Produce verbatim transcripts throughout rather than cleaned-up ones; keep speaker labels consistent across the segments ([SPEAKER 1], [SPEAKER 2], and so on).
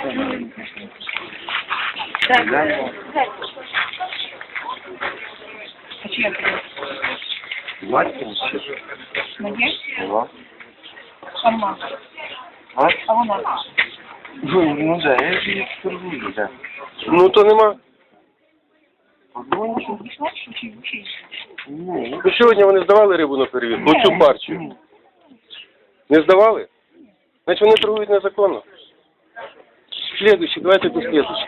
[SPEAKER 1] А чия це?
[SPEAKER 2] Батько?
[SPEAKER 1] Моє?
[SPEAKER 2] Ага.
[SPEAKER 1] Сама.
[SPEAKER 2] А?
[SPEAKER 1] А вона?
[SPEAKER 2] Ну, ну да, я ж її торгую, да.
[SPEAKER 3] Ну то нема.
[SPEAKER 2] Ну,
[SPEAKER 1] Що, пішла? Що, чи, чи?
[SPEAKER 2] ну,
[SPEAKER 3] Ну сьогодні вони здавали рибу на перевірку, оцю партію. Не здавали? Значить вони торгують незаконно. Слідуючий, давайте до слідуючого.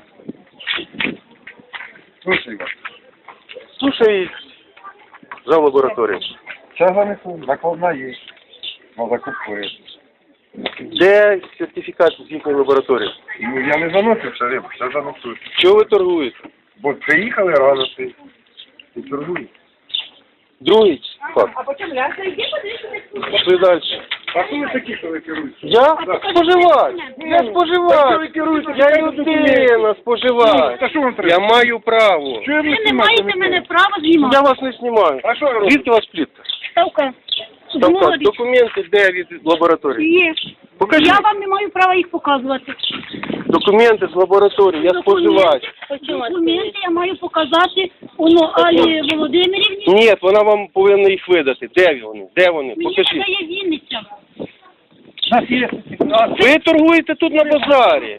[SPEAKER 2] слушай,
[SPEAKER 3] Слушай, за лабораторію.
[SPEAKER 2] це занесу, накладна є. Можна купити.
[SPEAKER 3] Де сертифікат з їхньої лабораторії?
[SPEAKER 2] Ну, я не заносив це рибу, це занесу.
[SPEAKER 3] Чого ви торгуєте?
[SPEAKER 2] Бо приїхали рано ти і торгують.
[SPEAKER 3] Другий факт.
[SPEAKER 1] А потім ляса, йди подивися.
[SPEAKER 3] Пішли далі.
[SPEAKER 2] А хто ви такі, що ви керуєте?
[SPEAKER 3] Я споживач. Я споживач. Я людина, споживач.
[SPEAKER 2] Та що вам
[SPEAKER 3] Я
[SPEAKER 2] треба?
[SPEAKER 3] маю право.
[SPEAKER 2] Що ви
[SPEAKER 4] Ви не маєте мене права знімати.
[SPEAKER 3] Я вас не знімаю.
[SPEAKER 2] А що ви робите?
[SPEAKER 3] Звідки у вас плітка?
[SPEAKER 4] Ставка.
[SPEAKER 3] Там так,
[SPEAKER 4] Говорить.
[SPEAKER 3] документи де від лабораторії?
[SPEAKER 4] Є.
[SPEAKER 3] Покажіть.
[SPEAKER 4] Я вам не маю права їх показувати.
[SPEAKER 3] Документи з лабораторії, я споживач.
[SPEAKER 4] Документи я маю показати воно Алі Володимирівні.
[SPEAKER 3] Ні, вона вам повинна їх видати. Де вони? Де вони?
[SPEAKER 4] Мені
[SPEAKER 3] Покажіть.
[SPEAKER 4] надає Вінниця.
[SPEAKER 3] Ви торгуєте тут на базарі.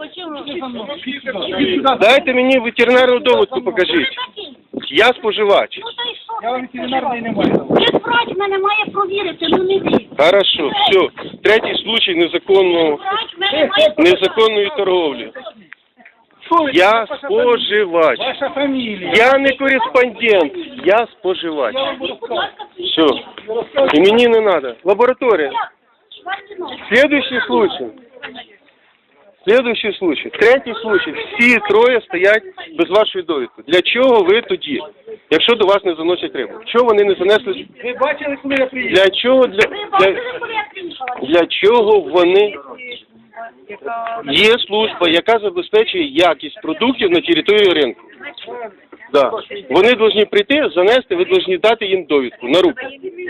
[SPEAKER 3] Дайте мені ветеринарну довідку, покажіть. Я споживач.
[SPEAKER 4] Ну та й що?
[SPEAKER 2] Я вам ветеринарної не маю.
[SPEAKER 4] Ви врач мене має провірити, ну не ви.
[SPEAKER 3] Хорошо, все. Третій случай незаконного,
[SPEAKER 4] Врач мене має
[SPEAKER 3] незаконної торговлі. Я споживач.
[SPEAKER 2] Ваша фамілія.
[SPEAKER 3] Я не кореспондент, я споживач.
[SPEAKER 4] провірити. Будь ласка,
[SPEAKER 3] Все. І мені не треба. Лабораторія. Следующий случай. Следующий случай. Третій случай. Всі троє стоять без вашої довідки. Для чого ви тоді, якщо до вас не заносять рибу? Чого вони не занесли?
[SPEAKER 2] Ви бачили, коли я приїхав?
[SPEAKER 3] Для чого для,
[SPEAKER 4] ви
[SPEAKER 3] для,
[SPEAKER 4] бачили, коли я приїхала?
[SPEAKER 3] для чого вони? Є служба, яка забезпечує якість продуктів на території ринку. Да. Вони повинні прийти, занести, ви повинні дати їм довідку на руку.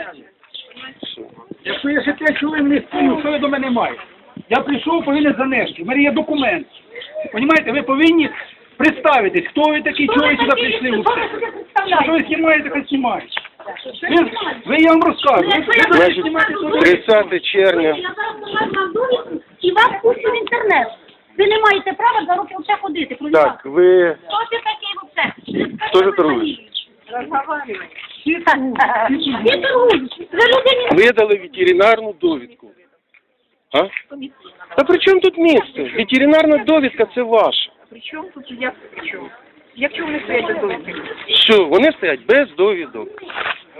[SPEAKER 5] Якщо я ще п'ять хвилин не стою, що ви до мене маєте? Я прийшов, повинен занести. У мене є документ. Понімаєте, ви повинні представитись, хто ви такі, чого ви сюди прийшли. Усе. Що ви знімаєте, хай знімаєте. Ви, ви, я вам розкажу. Ви, ви повинні
[SPEAKER 3] Значить,
[SPEAKER 5] знімати туди.
[SPEAKER 3] тридцяте червня.
[SPEAKER 4] Я зараз покажу вам довідку і вас пущу в інтернет. Ви не маєте права за руки оце ходити.
[SPEAKER 3] Так, ви
[SPEAKER 4] Хто ти такий оце?
[SPEAKER 3] Хто ж торгує?
[SPEAKER 4] Ти торгуєш. Ви людині
[SPEAKER 3] видали ветеринарну довідку. А? Та при чому тут місце? Ветеринарна довідка – це ваша.
[SPEAKER 1] При чому тут, як при чому? Як чому вони стоять без довідки?
[SPEAKER 3] Що, вони стоять без довідок.